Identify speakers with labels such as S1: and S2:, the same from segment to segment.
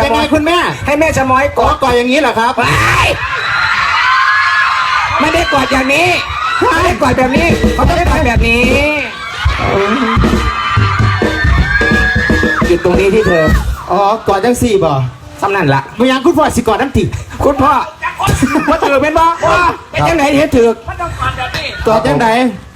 S1: ยังไงคุณแม่
S2: ให้แม่ชะม้อยกอด
S1: กอดอย่างนี้เหรอครับ
S2: ไม่ได้กอดอย่างนี้ไม่ได้กอดแบบนี้เขาไม่ได้กอดแบบนี้หยุดตรงนี้ที่เธอ
S1: อ๋อกอดจังสี่บ่
S2: สำนั่นละ
S1: มึงยังคุณพ่อสิกอดน้ำติ
S2: คุณพ่อว่าถือเป็นบ่ว่าเป็นจังไหนเห็นถือก
S1: อดจังไหน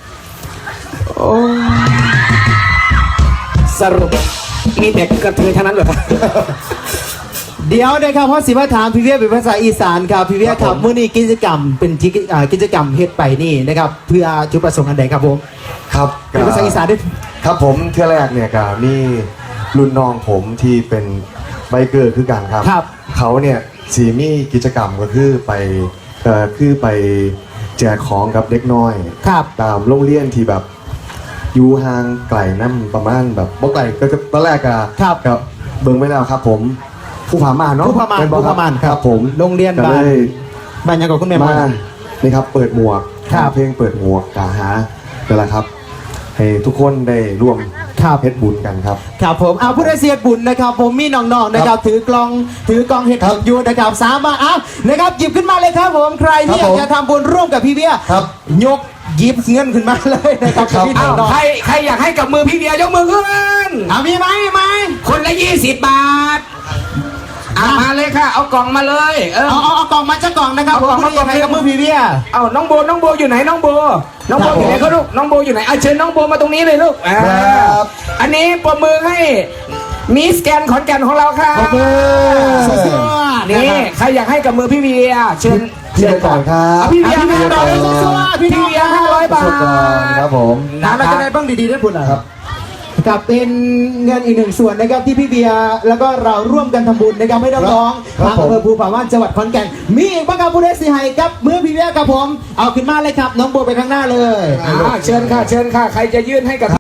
S2: สรุปมีเด็กกระเทยเท่านั้นเหรอครับ
S1: เดี๋ยวนะครับเพราะสิว่าถามพี่เวียเป็นภาษาอีสานครับพี่เวียครับมื้อนี้กิจกรรมเป็นกิจกรรมเฮ็ดไปนี่นะครับเพื่อจุดประสงค์อันใดครับผม
S3: ครับ
S1: เป็นภาษาอีสานด้วย
S3: ครับผมเที่ยวแรกเนี่ยก็มีรุ่นน้องผมที่เป็นไบเกอร์คือกันครับ
S1: ครับ
S3: เขาเนี่ยสีมีกิจกรรมก็คือไปแจกของกับเด็กน้อย
S1: ครับ
S3: ตามโรงเรียนที่แบบอยู่ห่างไกลน้ำประมาณแบบบ่ไกลก็ตอนแรกอะ
S1: ครับ
S3: กับเบิ่งไม่แล้วครับผมผู้ผาม่านเนาะ
S1: ผู้ผาม่าน
S3: เป็นบ่
S1: ผู้ผาม่าน
S3: ครับผม
S1: โรงเรียน
S3: ก็เลย
S1: บ้านยังกับคุณแม่
S3: มา
S1: มา
S3: นี่ครับเปิดหมวก
S1: ครับ
S3: เพลงเปิดหมวกกาหานั่นแหละครับ ให้ทุกคนได้ร่วม
S1: ครับ
S3: เฮ็ดบุญกันครับ
S1: ครับผมเอาผู้ได้เสียบุญนะครับผมมีน้องๆนะครับถือกลองเห็ดบุญอยู่นะครับสามารถเอานะครับหยิบขึ้นมาเลยครับผมใครที่อยากจะทำบุญร่วมกับพี่เบี้ย
S3: ครับ
S1: ยกหยิบเงินขึ้นมาเลยนะครับ
S3: ครับ
S1: พี่
S2: อ้าว
S1: น้อง
S2: ใครอยากให้กับมือพี่เบียร์ยกมือขึ้น
S1: มีไหม
S2: คนละ20 บาทมาเลยค่ะ เอากล่องมาเลย
S1: เอากล่องมาจะกล่องนะครับ
S2: เอากล่อง
S1: ผม
S2: มากล่อง
S1: ให้กับมือพี่เบี้ย
S2: เอาน้องโบอยู่ไหนน้องโบอยู่ไหน
S1: ครับ
S2: เขาลูกน้องโบอยู่ไหนเอาเชิญน้องโบมาตรงนี้เลยลูก
S3: ครับ
S2: อันนี้ปรบมือให้มิสแกนขอนแก่นของเราค่ะ
S1: ขอบคุณ
S2: นี่ใครอยากให้กับมือพี่เบียร์เชิญ
S3: พี่เบียร์ก่อนครับ
S2: เอาพี่เบียร์
S1: พี่เบียร์ก่อน
S2: พี่เบียร์500 บาท
S3: สุดก่อนครับผม
S1: ถามเราจะได้บ้างดีๆได้ผลเหรอครับกับเป็นเงินอีกหนึ่งส่วนนะครับที่พี่เบียร์แล้วก็เราร่วมกันทำบุญนะครับไม่ต้องร้อง
S3: ครับ
S1: ทางอำเภอภูผาม่านจังหวัดขอนแก่นมีอีกบ้างครับผู้ได้เสียหายครับมือพี่เบียร์ครับผมเอาขึ้นมาเลยครับน้องโบไปข้างหน้าเลย
S2: เชิญค่ะใครจะยื่นให้กับ